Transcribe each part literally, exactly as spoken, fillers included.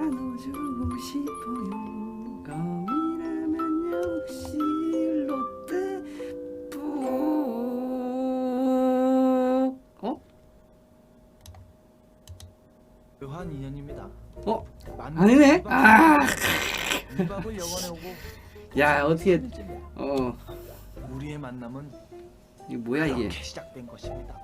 안아주고 싶어요. 껌이라면 역시 롯데 푸. 어? 묘한 인연입니다. 어? 만남 아니네? 이박 아. 이박을 영원해 오고 야, 어떻게 삼 일째며 어 우리의 만남은 이게 뭐야 이게? 이렇게 시작된 것입니다.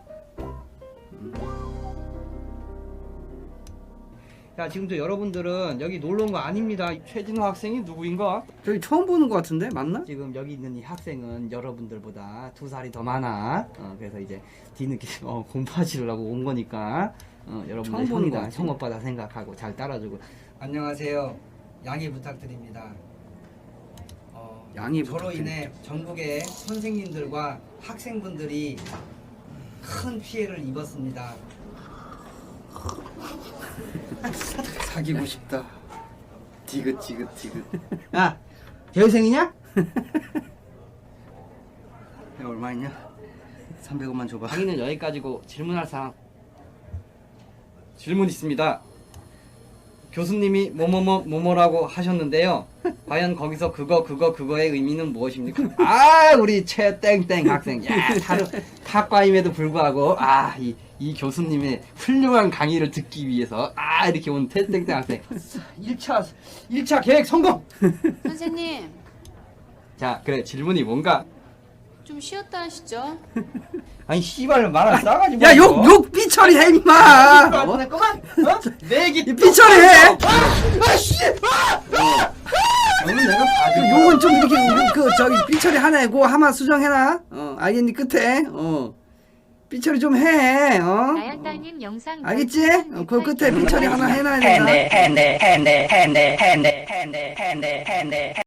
자, 지금 저 여러분들은 여기 놀러 온 거 아닙니다. 최진호 학생이 누구인가? 저기 처음 보는 것 같은데 맞나? 지금 여기 있는 이 학생은 여러분들보다 두 살이 더 많아. 어, 그래서 이제 뒤늦게 어, 공부하시려고 온 거니까 어, 여러분들 처음 보는 것 형이다, 같지? 형 오빠다 생각하고 잘 따라주고. 안녕하세요. 양해 부탁드립니다. 어, 양해 저로 부탁드립니다. 인해 전국의 선생님들과 학생분들이 큰 피해를 입었습니다. 사귀고 싶다. 디귿 디귿 디귿. 야, 재회생이냐? 야 얼마 있냐? 삼백 원만 줘봐. 강의는 여기까지고 질문할 사항 질문 있습니다. 교수님이 뭐뭐뭐 뭐뭐라고 하셨는데요. 과연 거기서 그거 그거 그거의 의미는 무엇입니까? 아, 우리 최땡땡 학생. 야, 다른 탁과임에도 불구하고 아, 이, 이 교수님의 훌륭한 강의를 듣기 위해서 아, 이렇게 온 최땡땡 학생. 일 차 일 차 계획 성공. 선생님, 자, 그래. 질문이 뭔가? 좀 쉬었다 하시죠. 아니, 씨발 말을 싸가지 뭐. 야 욕 욕 삐처리해 임마. 어? 그만. 어? 내 얘기 이 삐처리해. 아, 씨! 아! 너는 내가 봐줄 그 욕은 좀 이렇게 그 저기 삐처리 하나 고 하마 수정해놔. 어 알겠니 끝에 어 삐처리 좀 해. 어. 나연땅님 영상 알겠지? 어, 그 끝에 삐처리 하나 해놔야 된다. 핸데 핸데 핸데 핸데 핸데 핸데 핸데 핸데